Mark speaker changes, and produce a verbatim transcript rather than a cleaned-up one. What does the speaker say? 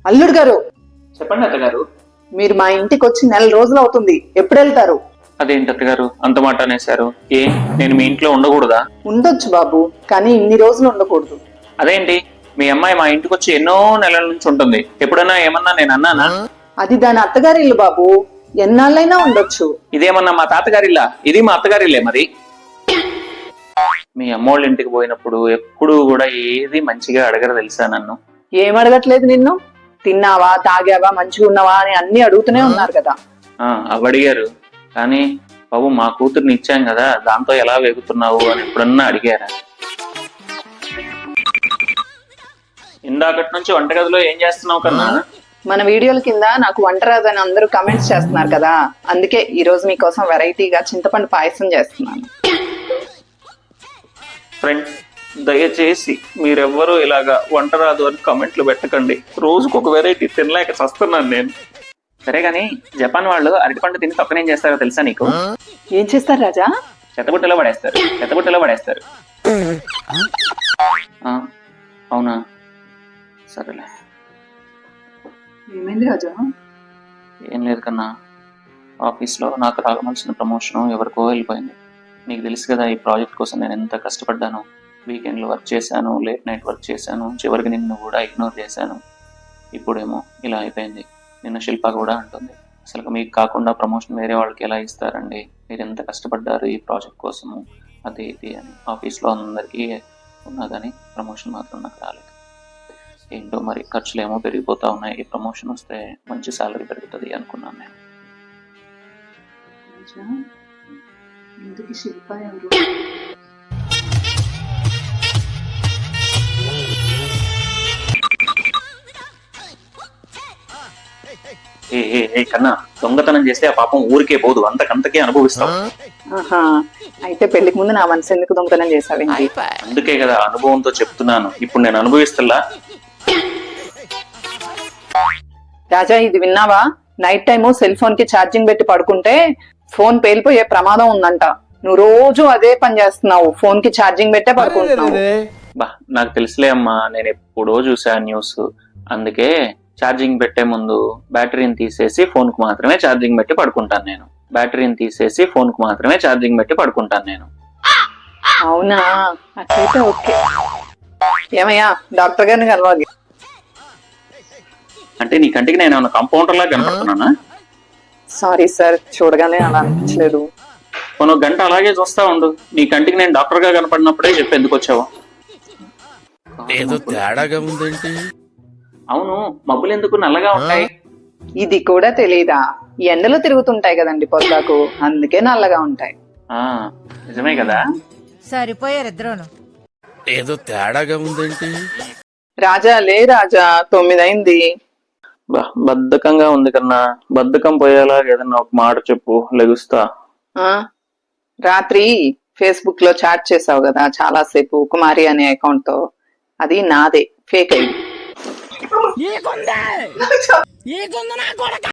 Speaker 1: అల్లుడు గారు,
Speaker 2: చెప్పండి అత్తగారు.
Speaker 1: మీరు మా ఇంటికి వచ్చి నెల రోజులు అవుతుంది. ఎప్పుడు వెళ్తారు?
Speaker 2: అదేంటి అత్తగారు అంత మాట అనేశారు? ఏ నేను మీ ఇంట్లో ఉండకూడదా?
Speaker 1: ఉండొచ్చు బాబు, కానీ ఇన్ని రోజులు ఉండకూడదు.
Speaker 2: అదేంటి మీ అమ్మాయి మా ఇంటికి వచ్చి ఎన్నో నెలల నుంచి ఉంటుంది. ఎప్పుడైనా ఏమన్నా నేను అన్నానా?
Speaker 1: అది దాని అత్తగారి ఇల్లు బాబు, ఎన్నాళ్ళైనా ఉండొచ్చు.
Speaker 2: ఇదేమన్నా మా తాతగారిల్లా? ఇది మా అత్తగారిల్లే. మరి మీ అమ్మోళ్ళ ఇంటికి పోయినప్పుడు ఎప్పుడు కూడా ఏది మంచిగా అడగరు తెలుసా నన్ను.
Speaker 1: ఏం అడగట్లేదు నిన్ను? తిన్నావా, తాగావా, మంచిగా ఉన్నావా అని అన్ని అడుగుతూనే ఉన్నారు కదా.
Speaker 2: ఆ అవి అడిగారు, కానీ బాబు మా కూతుర్ని ఇచ్చాం కదా, దాంతో ఎలా వేగుతున్నావు అని ఎప్పుడన్నా అడిగారా? ఇందాకటి నుంచి వంటగదిలో ఏం చేస్తున్నావు కన్నా?
Speaker 1: మన వీడియోల కింద నాకు వంట రాదని అందరూ కమెంట్స్ చేస్తున్నారు కదా, అందుకే ఈ రోజు మీకోసం వెరైటీగా చింతపండు పాయసం చేస్తున్నాను.
Speaker 2: ఫ్రెండ్స్, దయచేసి మీరెవ్వరూ ఇలాగా వంట రాదు అని కమెంట్లు పెట్టకండి. రోజుకు ఒక వెరైటీ తినలేక చస్తున్నాను నేను. సరే గాని జపాన్ వాళ్ళు అరటిపండు తిని తప్పనేం చేస్తారో తెలుసా నీకు?
Speaker 1: ఏం చేస్తారు రాజా?
Speaker 2: చెత్తబుట్టలో పడేస్తారు. చెత్తబుట్టలో పడేస్తారు. అవునా, సరేలే.
Speaker 1: ఏమైంది రాజా?
Speaker 2: ఏం లేదు కన్నా, ఆఫీస్లో నాకు రాగవలసిన ప్రమోషన్ ఎవరికో వెళ్ళిపోయింది. నీకు తెలుసు కదా ఈ ప్రాజెక్ట్ కోసం నేను ఎంత కష్టపడ్డాను. వీకెండ్లో వర్క్ చేశాను, లేట్ నైట్ వర్క్ చేశాను, చివరికి నిన్ను కూడా ఇగ్నోర్ చేశాను. ఇప్పుడేమో ఇలా అయిపోయింది. నిన్న శిల్ప కూడా అంటుంది, అసలు మీకు కాకుండా ప్రమోషన్ వేరే వాళ్ళకి ఎలా ఇస్తారండి, మీరు ఎంత కష్టపడ్డారు ఈ ప్రాజెక్ట్ కోసము, అది ఇది అని. ఆఫీస్లో అందరికీ ఉన్నదని ప్రమోషన్ మాత్రం నాకు రాలేదు. ఏంటో మరి ఖర్చులు ఏమో పెరిగిపోతా ఉన్నాయి. ఈ ప్రమోషన్ వస్తే మంచి శాలరీ పెరుగుతుంది అనుకున్నాను నేను.
Speaker 1: శిల్ప ఎవరు?
Speaker 2: ఏ ఏ కన్నా, దొంగతనం చేస్తే ఆ పాపం ఊరికే పోదు, అంతకంతకే అనుభవిస్తాం.
Speaker 1: ఆహా, అయితే పెళ్లికి ముందు నా మనసు ఎందుకు దొంగతనం చేసావేంటి?
Speaker 2: అందుకే కదా అనుభవంతో చెప్తున్నాను. ఇప్పుడు నేను అనుభవిస్తున్నా.
Speaker 1: రాజా, ఇది విన్నావా? నైట్ టైము సెల్ ఫోన్ కి ఛార్జింగ్ పెట్టి పడుకుంటే ఫోన్ పేలిపోయే ప్రమాదం ఉందంట. నువ్వు రోజు అదే పని చేస్తున్నావు, ఫోన్ కి ఛార్జింగ్ పెట్టే పడుకుంటున్నావు.
Speaker 2: బా నాకు తెలుసులే అమ్మా, నేను ఎప్పుడో చూసా న్యూస్. అందుకే ఛార్జింగ్ పెట్టే ముందు బ్యాటరీని తీసేసి ఫోన్ కు మాత్రమే ఛార్జింగ్ పెట్టి పడుకుంటాను నేను. బ్యాటరీని తీసేసి ఫోన్ కు మాత్రమే ఛార్జింగ్ పెట్టి పడుకుంటాను నేను.
Speaker 1: అవునా, అట్లయితే ఓకే. ఏమయ్యా, డాక్టర్ గారిని కలవాలి.
Speaker 2: అంటే నీ కంటికి నేను ఏమైనా కంపౌండర్ లాగా కనపడుతున్నానా?
Speaker 1: సారీ సార్, చూడగానే అలా అనిపించలేదు.
Speaker 2: కొన్ని గంట అలాగే చూస్తా ఉండు, నీ కంటికి నేను డాక్టర్ గా కనపడినప్పుడే చెప్పి ఎందుకు వచ్చావు?
Speaker 3: ఏదో తేడాగా ఉందేంటి?
Speaker 2: అవును, మబ్బులు ఎందుకు నల్లగా ఉంటాయి?
Speaker 1: ఇది కూడా తెలీదా? ఎండలో తిరుగుతుంటాయి కదండి పొద్దాకు, అందుకే నల్లగా ఉంటాయి.
Speaker 2: ఆ నిజమే కదా.
Speaker 4: సరిపోయారు ఇద్దరును.
Speaker 3: ఏదో తేడాగా ఉందేంటి?
Speaker 1: రాజా లే రాజా, తొమ్మిది అయింది.
Speaker 2: బద్ధకంగా ఉంది కన్నా, బద్ధకం పోయేలా ఏదన్నా ఒక మాట చెప్పు, లెగుస్తా.
Speaker 1: ఆ రాత్రి ఫేస్బుక్ లో చాట్ చేసావు కదా చాలా సేపు, కుమారి అనే అకౌంట్ తో. అది నాదే, ఫేక్ ఐడి.